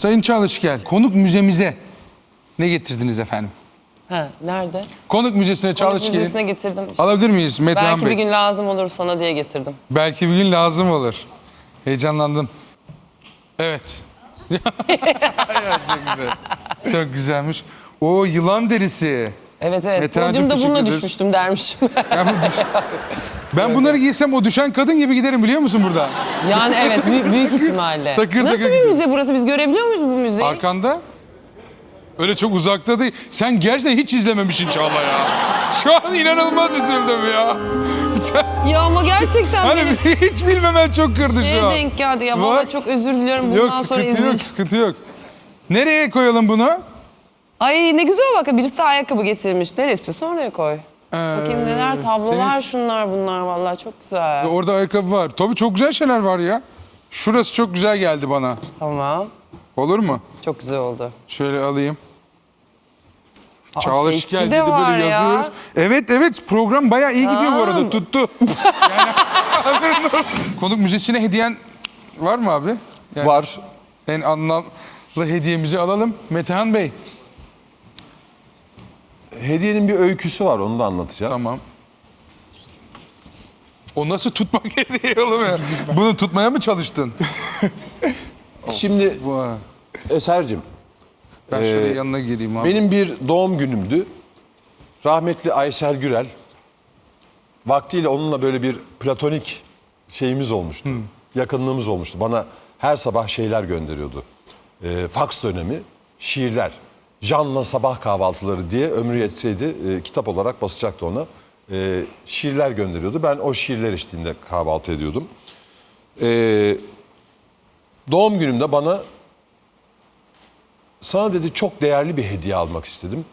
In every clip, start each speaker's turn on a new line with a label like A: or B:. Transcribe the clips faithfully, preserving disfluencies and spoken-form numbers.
A: Sayın Çalışken, konuk müzemize ne getirdiniz efendim?
B: Ha, nerede?
A: Konuk müzesine
B: Konuk
A: Çalışken'in...
B: müzesine getirdim.
A: Alabilir miyiz Metehan
B: Belki
A: Bey?
B: bir gün lazım olur sana diye getirdim.
A: Belki bir gün lazım olur. Heyecanlandım. Evet. Ya, çok güzel. Çok güzelmiş. O yılan derisi.
B: Evet evet.
A: Metehan'cığım,
B: Podyumda
A: teşekkür
B: bununla
A: ederiz.
B: düşmüştüm dermişim.
A: Ben, bu düş- ben bunları giysem o düşen kadın gibi giderim biliyor musun burada?
B: Yani evet büyük, büyük ihtimalle.
A: Takır
B: Nasıl
A: takır
B: bir
A: gidiyor.
B: müze burası? Biz görebiliyor muyuz bu müzeyi?
A: Arkanda. Öyle çok uzakta değil. Sen gerçekten hiç izlememişsin Çağla ya. Şu an inanılmaz üzüldüm ya.
B: Ya ama gerçekten
A: Hani
B: benim
A: hiç bilmemen çok kırdı
B: şeye
A: şu an.
B: denk geldi ya.
A: Bak.
B: Vallahi çok özür diliyorum. Bundan
A: Yok
B: sonra
A: sıkıntı yok,
B: izleyeceğim.
A: sıkıntı yok. Nereye koyalım bunu?
B: Ay ne güzel bak. Birisi ayakkabı getirmiş. Nereye istiyorsan oraya koy. Bakayım neler tablolar
A: senin-
B: şunlar bunlar vallahi çok güzel.
A: Orada ayakkabı var. Tabii çok güzel şeyler var ya. Şurası çok güzel geldi bana.
B: Tamam.
A: Olur mu?
B: Çok güzel oldu.
A: Şöyle alayım.
B: Aa,
A: Çağla
B: şeysi
A: Şikel
B: de
A: dedi
B: var
A: böyle
B: ya.
A: yazıyoruz. Evet evet program bayağı iyi gidiyor bu arada tuttu. Yani, konuk müzesine hediyen var mı abi? Yani
C: Var.
A: en anlamlı hediyemizi alalım. Metehan Bey.
C: Hediyenin bir öyküsü var, onu da anlatacağım.
A: Tamam. O nasıl tutmak hediye oğlum ya? Bunu tutmaya mı çalıştın?
C: Şimdi
A: Vay.
C: Eser'cim,
A: Ben şöyle
C: Ee,
A: yanına gireyim abi.
C: benim bir doğum günümdü. Rahmetli Aysel Gürel, vaktiyle onunla böyle bir platonik şeyimiz olmuştu. Yakınlığımız olmuştu. Bana her sabah şeyler gönderiyordu. Ee, faks dönemi, şiirler. Can'la sabah kahvaltıları diye ömrü yetseydi e, kitap olarak basacaktı ona. Ee, şiirler gönderiyordu. Ben o şiirler eşliğinde kahvaltı ediyordum. Ee, doğum günümde bana sana dedi çok değerli bir hediye almak istedim.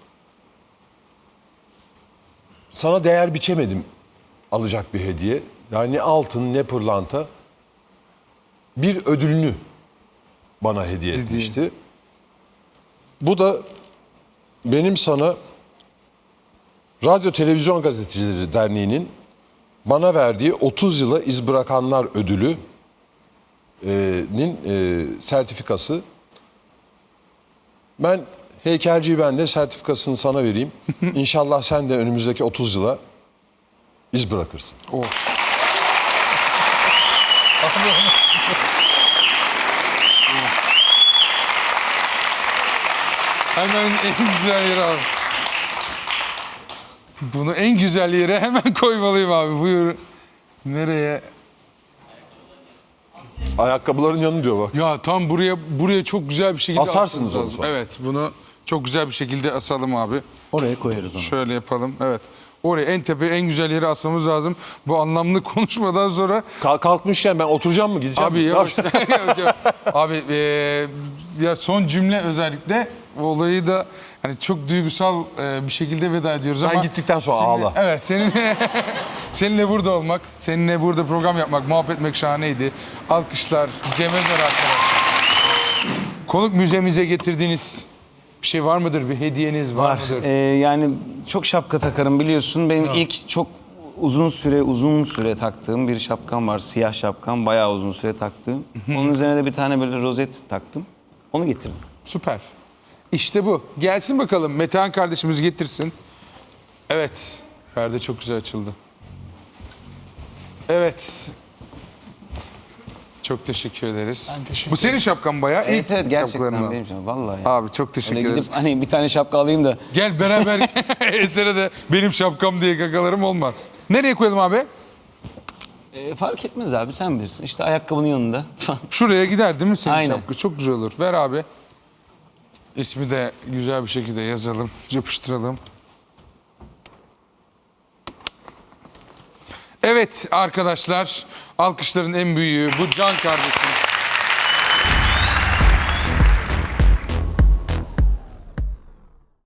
C: Sana değer biçemedim alacak bir hediye. Yani ne altın ne pırlanta. Bir ödülünü bana hediye etmişti. Bu da benim sana Radyo Televizyon Gazetecileri Derneği'nin bana verdiği otuz yıla iz bırakanlar ödülü'nin e, sertifikası. Ben heykelciyi ben de sertifikasını sana vereyim. İnşallah sen de önümüzdeki otuz yıla iz bırakırsın.
A: Oh. Hemen en güzel yere al. Bunu en güzel yere hemen koymalıyım abi. Buyur. Nereye?
C: Ayakkabıların yanı diyor bak.
A: Ya tam buraya buraya çok güzel bir şekilde
C: Asarsınız
A: asmamız
C: onu
A: lazım.
C: sonra.
A: Evet, bunu çok güzel bir şekilde asalım abi.
D: Oraya koyarız onu.
A: Şöyle yapalım. Evet. Oraya en tepe en güzel yere asmamız lazım. Bu anlamlı konuşmadan sonra
C: Kalk, kalkmışken ben oturacağım mı gideceğim
A: abi
C: mi?
A: yavaş. Yavaş. Abi eee, ya son cümle özellikle olayı da hani çok duygusal eee, bir şekilde veda ediyoruz
C: Ben
A: ama
C: gittikten sonra
A: seninle-
C: ağla.
A: Evet, seninle seninle burada olmak, seninle burada program yapmak, muhabbet etmek şahaneydi. Alkışlar Cem Özer arkadaşlar. Konuk müzemize getirdiğiniz bir şey var mıdır? Bir hediyeniz var,
D: Var.
A: mıdır?
D: Ee, yani çok şapka takarım biliyorsun. Benim ilk çok uzun süre uzun süre taktığım bir şapkam var. Siyah şapkam. Bayağı uzun süre taktığım. Onun üzerine de bir tane böyle rozet taktım. Onu getirdim.
A: Süper. İşte bu. Gelsin bakalım. Metehan kardeşimiz getirsin. Evet. Perde çok güzel açıldı. Evet. Çok teşekkür ederiz.
E: Ben teşekkür
A: Bu senin şapkan bayağı.
D: Evet
A: İlk
D: evet gerçekten
A: şapkalarından.
D: benim canım. Vallahi. ya.
A: Abi çok teşekkür
D: Öyle
A: ederiz.
D: gidip hani bir tane şapka alayım da.
A: Gel beraber esere de benim şapkam diye kakalarım olmaz. Nereye koyalım abi?
D: Ee, fark etmez abi sen bilirsin. İşte ayakkabının yanında falan.
A: Şuraya gider değil mi senin
D: Aynen.
A: şapka? Çok güzel olur. Ver abi. İsmi de güzel bir şekilde yazalım. Yapıştıralım. Evet arkadaşlar, alkışların en büyüğü bu Can kardeşim.